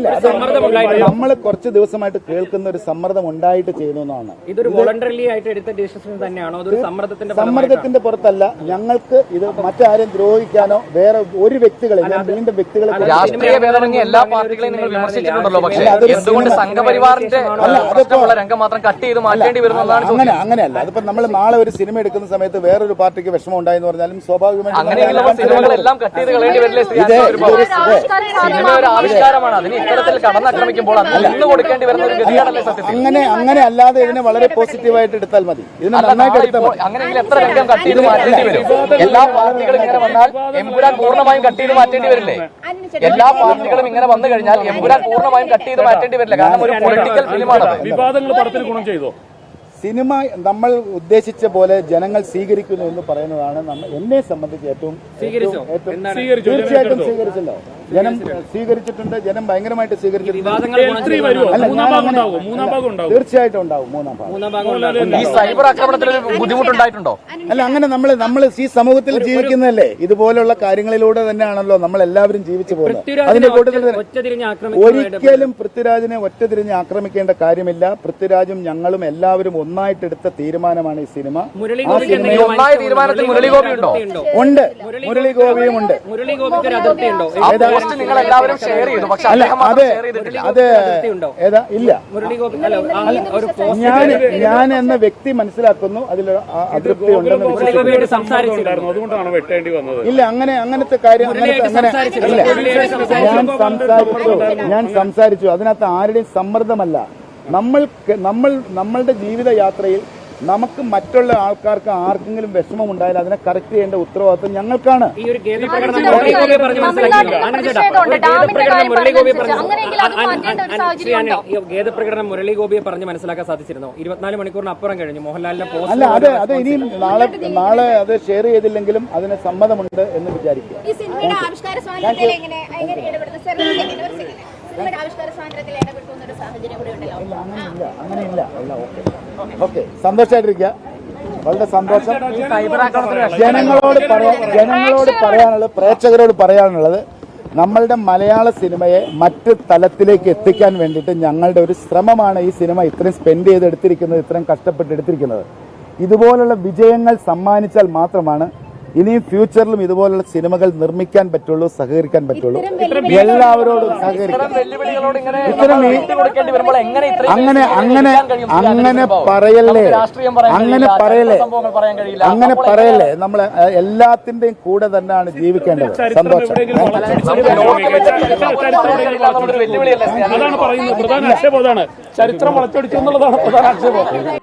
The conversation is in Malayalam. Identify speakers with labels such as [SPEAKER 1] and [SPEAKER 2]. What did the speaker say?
[SPEAKER 1] നമ്മൾ കുറച്ച് ദിവസമായിട്ട് കേൾക്കുന്ന ഒരു സമ്മർദ്ദം ഉണ്ടായിട്ട് ചെയ്യുന്നതാണ്.
[SPEAKER 2] ഇതൊരു വോളണ്ടറിലി ആയിട്ട് എടുത്ത ഡിസിഷൻ തന്നെയാണോ? അതൊരു
[SPEAKER 1] സമ്മർദ്ദത്തിന്റെ പുറത്തല്ല. ഞങ്ങൾക്ക് ഇത് മറ്റാരും ദ്രോഹിക്കാനോ വേറെ ഒരു വ്യക്തികളെ വീണ്ടും വ്യക്തികളെ
[SPEAKER 3] രാഷ്ട്രീയ ഭേദമന്യേ എല്ലാ പാർട്ടികളെയും നിങ്ങൾ വിമർശിച്ചിട്ടുണ്ടല്ലോ. പക്ഷേ എന്തുകൊണ്ട് സംഘപരിവാറിന്റെ രംഗം മാത്രം കട്ട് ചെയ്ത് മാറ്റേണ്ടി വരുന്നതാണ്?
[SPEAKER 1] അങ്ങനെയല്ല. അതിപ്പോ നമ്മൾ നാളെ ഒരു സിനിമ എടുക്കുന്ന സമയത്ത് വേറൊരു പാർട്ടിക്ക് വിഷമം ഉണ്ടായെന്ന് പറഞ്ഞാലും സ്വാഭാവികമായിട്ടും
[SPEAKER 3] അങ്ങനെയുള്ള സിനിമകളെല്ലാം കട്ട് ചെയ്ത് കളയേണ്ടി വരില്ലേ? സിനിമ ഒരു ആവിഷ്കാരമാണ്. അതിന് ഇത്തരത്തിൽ കടന്നാക്രമിക്കുമ്പോൾ അതിന് നിന്ന് കൊടുക്കേണ്ടി വരുന്ന ഒരു ഗതിയാണല്ലേ സത്യത്തിൽ?
[SPEAKER 1] അങ്ങനെ അല്ലാതെ ഇതിനെ വളരെ പോസിറ്റീവായിട്ട് എടുത്താൽ മതി. ഇതിനെ നന്നായിട്ട് എടുത്താൽ
[SPEAKER 3] അങ്ങനെയെങ്കിൽ എത്ര രംഗം കട്ട് ചെയ്ത് മാറ്റേണ്ടി വരും? എല്ലാ പാർട്ടികളും ഇങ്ങനെ വന്നാൽ എമ്പുരാൻ പൂർണ്ണമായും കട്ട് ചെയ്ത് മാറ്റേണ്ടി വരില്ലേ? എല്ലാ പാർട്ടികളും ഇങ്ങനെ വന്നു കഴിഞ്ഞാൽ എമ്പുരാൻ പൂർണ്ണമായും കട്ട് ചെയ്ത് മാറ്റേണ്ടി വരില്ല. കാരണം ഒരു പൊളിറ്റിക്കൽ ഫിലിമാണ്.
[SPEAKER 4] വിവാദങ്ങൾ പടത്തിൽ ഗുണം ചെയ്തോ?
[SPEAKER 1] സിനിമ നമ്മൾ ഉദ്ദേശിച്ച പോലെ ജനങ്ങൾ സ്വീകരിക്കുന്നു എന്ന് പറയുന്നതാണ് എന്നെ സംബന്ധിച്ച് ഏറ്റവും തീർച്ചയായിട്ടും സ്വീകരിച്ചല്ലോ. ജനം സ്വീകരിച്ചിട്ടുണ്ട്. ജനം ഭയങ്കരമായിട്ട് സ്വീകരിച്ചിട്ടുണ്ട്. തീർച്ചയായിട്ടും ഉണ്ടാവും മൂന്നാം ഭാഗം.
[SPEAKER 3] ഈ സൈബർ ആക്രമണത്തിൽ ബുദ്ധിമുട്ടുണ്ടായിട്ടുണ്ടോ?
[SPEAKER 1] അല്ല, അങ്ങനെ നമ്മൾ ഈ സമൂഹത്തിൽ ജീവിക്കുന്നതല്ലേ. ഇതുപോലുള്ള കാര്യങ്ങളിലൂടെ തന്നെയാണല്ലോ നമ്മൾ എല്ലാവരും ജീവിച്ചു പോകുന്നത്. അതിന്റെ കൂട്ടത്തിൽ ഒരിക്കലും പൃഥ്വിരാജിനെ ഒറ്റതിരിഞ്ഞ് ആക്രമിക്കേണ്ട കാര്യമില്ല. പൃഥ്വിരാജും ഞങ്ങളും എല്ലാവരും ഒന്നായിട്ടെടുത്ത തീരുമാനമാണ് ഈ സിനിമ. ആ സിനിമയിൽ ഉണ്ട്, മുരളി ഗോപിയും ഉണ്ട്.
[SPEAKER 3] നിങ്ങൾ എല്ലാവരും ഷെയർ ചെയ്തു. പക്ഷെ
[SPEAKER 1] അത് ഏതാ ഇല്ല. ഞാൻ എന്ന വ്യക്തി മനസ്സിലാക്കുന്നു അതിൽ അതൃപ്തി ഉണ്ടെന്ന് ഇല്ല. അങ്ങനത്തെ കാര്യം ഞാൻ സംസാരിച്ചു. അതിനകത്ത് ആരുടെയും സമ്മർദ്ദമല്ല. നമ്മളുടെ ജീവിതയാത്രയിൽ നമുക്ക് മറ്റുള്ള ആൾക്കാർക്ക് ആർക്കെങ്കിലും വിഷമം ഉണ്ടായാൽ അതിനെ കറക്റ്റ് ചെയ്യേണ്ട ഉത്തരവാദിത്വം ഞങ്ങൾക്കാണ്.
[SPEAKER 2] ഖേദപ്രകടനം മുരളി ഗോപിയെ പറഞ്ഞ് മനസ്സിലാക്കാൻ സാധിച്ചിരുന്നു. 24 മണിക്കൂറിന് അപ്പുറം കഴിഞ്ഞു മോഹൻലാലിന്റെ പോസ്റ്റ്.
[SPEAKER 1] അല്ല, അത് ഇനിയും നാളെ അത് ഷെയർ ചെയ്തില്ലെങ്കിലും അതിന് സമ്മതമുണ്ട് എന്ന് വിചാരിക്കുക. അങ്ങനെയില്ല. ഓക്കെ, സന്തോഷമായിട്ടിരിക്കുക. വളരെ സന്തോഷം. ജനങ്ങളോട് പറയാനുള്ളത്, പ്രേക്ഷകരോട് പറയാനുള്ളത്, നമ്മളുടെ മലയാള സിനിമയെ മറ്റ് തലത്തിലേക്ക് എത്തിക്കാൻ വേണ്ടിയിട്ട് ഞങ്ങളുടെ ഒരു ശ്രമമാണ് ഈ സിനിമ ഇത്രയും സ്പെൻഡ് ചെയ്തെടുത്തിരിക്കുന്നത്, ഇത്രയും കഷ്ടപ്പെട്ടെടുത്തിരിക്കുന്നത്. ഇതുപോലുള്ള വിജയങ്ങൾ സമ്മാനിച്ചാൽ മാത്രമാണ് ഇനിയും ഫ്യൂച്ചറിലും ഇതുപോലുള്ള സിനിമകൾ നിർമ്മിക്കാൻ പറ്റുള്ളൂ, സഹകരിക്കാൻ പറ്റുള്ളൂ. എല്ലാവരോടും സഹകരിക്കാം. അങ്ങനെ പറയല്ലേ. നമ്മൾ എല്ലാത്തിന്റെയും കൂടെ തന്നെയാണ് ജീവിക്കേണ്ടത്. സന്തോഷം.
[SPEAKER 4] ചരിത്രം വളച്ചൊടിച്ചു എന്നുള്ളതാണ് പ്രധാന ആക്ഷേപം.